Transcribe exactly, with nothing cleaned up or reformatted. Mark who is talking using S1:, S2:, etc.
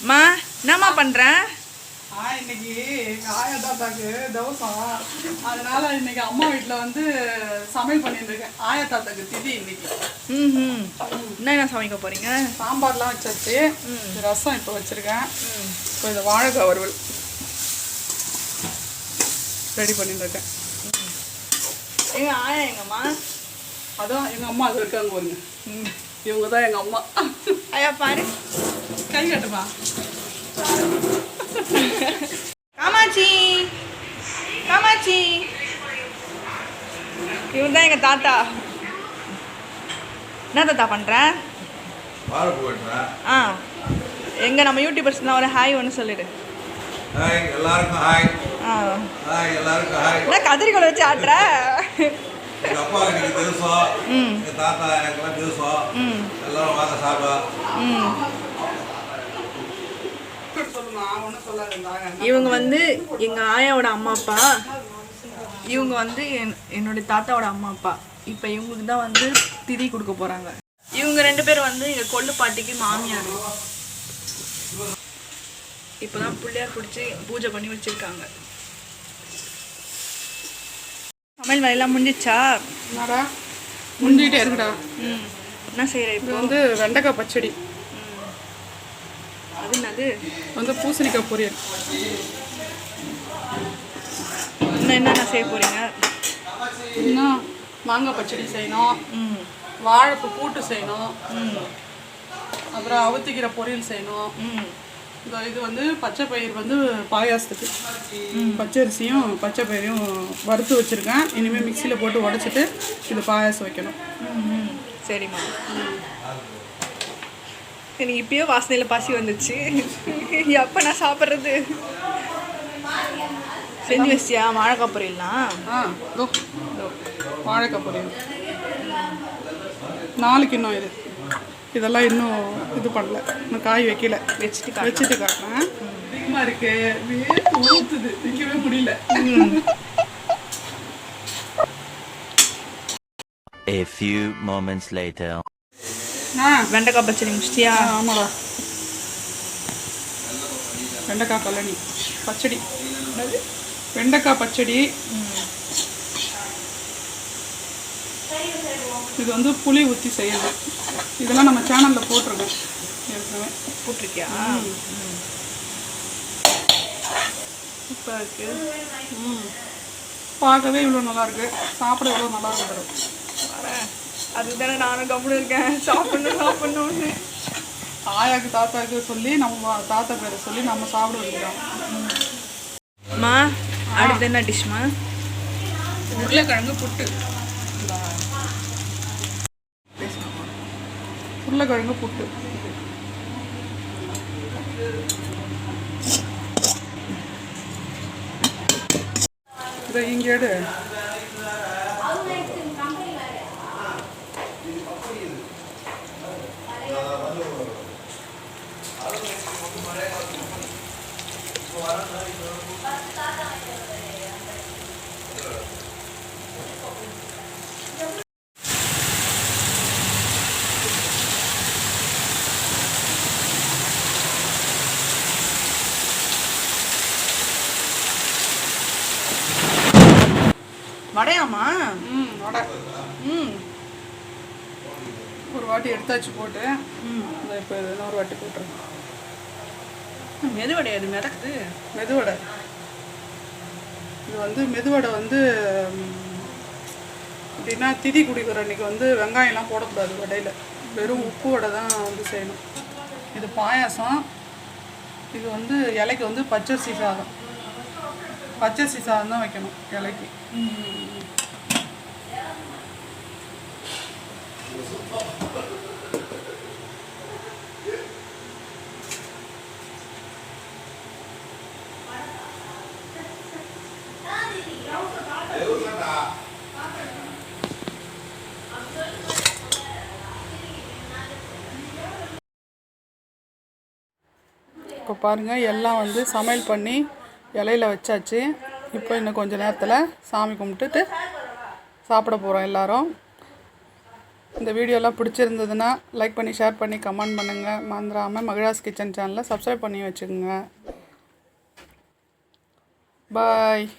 S1: மா என்னம்மா பண்ணுறேன்?
S2: ஆ இன்னைக்கு எங்கள் ஆயா தாத்தாக்கு தவசம், அதனால இன்னைக்கு அம்மா வீட்டில் வந்து சமையல் பண்ணிட்டு இருக்கேன். ஆயா தாத்தாக்கு திதி இன்னைக்கு.
S1: ம் ம் என்ன என்ன சமைக்க போகிறீங்க?
S2: சாம்பார்லாம் வச்சாச்சு, ரசம் இப்போ வச்சுருக்கேன். இப்போ இந்த வாழைக்காய் வறுவல் ரெடி பண்ணிட்டு இருக்கேன்.
S1: எங்கள் ஆயா எங்கம்மா?
S2: அதான் எங்கள் அம்மா அது இருக்காங்க பாருங்க, இவங்க தான் எங்கள் அம்மா.
S1: ஆயா பாரு,
S2: கை கட்டுமா.
S1: காமாட்சி காமாட்சி, இவர் தான் எங்கள் தாத்தா. என்ன தாத்தா பண்ணுற? ஆ எங்கே நம்ம யூடியூபர்ஸ்லாம் ஒரு ஹாய் ஒன்று சொல்லிடு.
S3: ஹாய் எல்லாருக்கும் ஹாய்.
S1: ஆ
S3: ஹாய் எல்லாருக்கும் ஹாய்.
S1: என்ன கதிரிக்கோளை வச்சு ஆட்டுற?
S3: எங்கள் அப்பா எனக்கு தெரிசோம், எங்கள் தாத்தா எனக்குலாம் தெரிசோம். எல்லாரும் வாங்க சாப்பிடா.
S1: ம் இவங்க வந்து எங்கள் ஆயாவோட அம்மா அப்பா, இவங்க வந்து என் என்னுடைய தாத்தாவோட அம்மா அப்பா. இப்போ இவங்களுக்கு தான் வந்து திதி கொடுக்க போகிறாங்க. இவங்க ரெண்டு பேரும் வந்து எங்கள் கொள்ளு பாட்டிக்கு மாமியார். இப்போ தான் பிள்ளையார் பிடிச்சி பூஜை பண்ணி வச்சுருக்காங்க. சமையல் வேலையெல்லாம் முடிஞ்சிச்சா?
S2: என்னடா முடிஞ்சிக்கிட்டே இருக்குடா.
S1: ம் என்ன செய்கிற? இப்போ
S2: வந்து வெண்டைக்காய் பச்சடி,
S1: அது என்னது?
S2: வந்து பூசணிக்காய் பொரியல்.
S1: இன்னும் என்னென்ன செய்ய போகிறீங்க?
S2: இன்னும் மாங்காய் பச்சடி செய்யணும்,
S1: ம்
S2: வாழைப்பூ கூட்டு செய்யணும்,
S1: ம்
S2: அப்புறம் அவுத்திக்கிற பொரியல் செய்யணும்.
S1: ம்
S2: இந்த இது வந்து பச்சை பயிர் வந்து பாயாசத்துக்கு பச்சரிசியும் பச்சை பயிரையும் வறுத்து வச்சுருக்கேன். இனிமேல் மிக்சியில் போட்டு உடச்சிட்டு இது பாயாசம் வைக்கணும்.
S1: ம் சரிம்மா. எனக்கு இப்பயே வாசனையில் பசி வந்துச்சு. எப்போ நான் சாப்பிட்றது? செஞ்சு வச்சியா வாழைக்காய் பொரியல்லாம்?
S2: ஆ இதோ வாழைக்காய் பொரியல் நாளைக்கு இன்னும் இது இதெல்லாம் இன்னும் இது பண்ணல, இன்னும் காய் வைக்கல.
S1: வச்சுட்டு
S2: வச்சுட்டு காட்டுறேன். அதிகமாக இருக்கு, வேர்த்து ஊற்றுது, நிற்கவே முடியல.
S4: A few moments later.
S2: ஆ
S1: வெண்டைக்காய் பச்சடி முடிச்சிட்டியா?
S2: ஆமாடா, வெண்டைக்காய் கல்லணி பச்சடி, வெண்டைக்காய் பச்சடி. இது வந்து புளி ஊற்றி செய்யுது. இதெல்லாம் நம்ம சேனலில் போட்டிருக்கோம் ஏற்கனவே.
S1: போட்டிருக்கியா? சூப்பராக இருக்கு.
S2: ம் பார்க்கவே இவ்வளோ நல்லாயிருக்கு, சாப்பிட இவ்வளோ நல்லா இருக்கிறோம்.
S1: வரேன், அதுக்கு தானே நானும் கம்முன்னு இருக்கேன், சாப்பிட்ணும் சாப்பிட்ணுன்னு.
S2: ஆயாக்கு தாத்தாக்கு சொல்லி நம்ம தாத்தா பேரை சொல்லி நம்ம சாப்பிட வைக்கிறோம்.
S1: மா அடுத்து என்ன டிஷ்மா?
S2: உருளைக்கிழங்கு புட்டு. உருளைக்கிழங்கு புட்டு இதை இங்கே எடு.
S1: வடையாமா?
S2: ம் வடை.
S1: ம்
S2: ஒரு வாட்டி எடுத்தாச்சு போட்டு,
S1: ம்
S2: இந்த இப்போ இன்னொரு வாட்டி போட்டுருங்க.
S1: மெது வடை, அது மிதக்குது.
S2: மெதுவடை. இது வந்து மெதுவடை வந்து எப்படின்னா திதி குடிக்கிற அன்றைக்கி வந்து வெங்காயம்லாம் போடக்கூடாது வடையில், வெறும் உப்பு வடை தான் வந்து செய்யணும். இது பாயாசம். இது வந்து இலைக்கு வந்து பச்சரிசி சாதம், பச்சரிசி சாதம் தான் வைக்கணும் இலைக்கு. இப்போ பாருங்கள், எல்லாம் வந்து சமையல் பண்ணி இலையில வச்சாச்சு. இப்போ இன்னும் கொஞ்சம் நேரத்தில் சாமி கும்பிட்டுட்டு சாப்பிட போகிறோம் எல்லோரும். இந்த வீடியோலாம் பிடிச்சிருந்ததுன்னா லைக் பண்ணி ஷேர் பண்ணி கமெண்ட் பண்ணுங்கள். மறந்துடாமல் மகிழாஸ் கிச்சன் சேனலை சப்ஸ்கிரைப் பண்ணி வச்சுக்கோங்க. பாய்.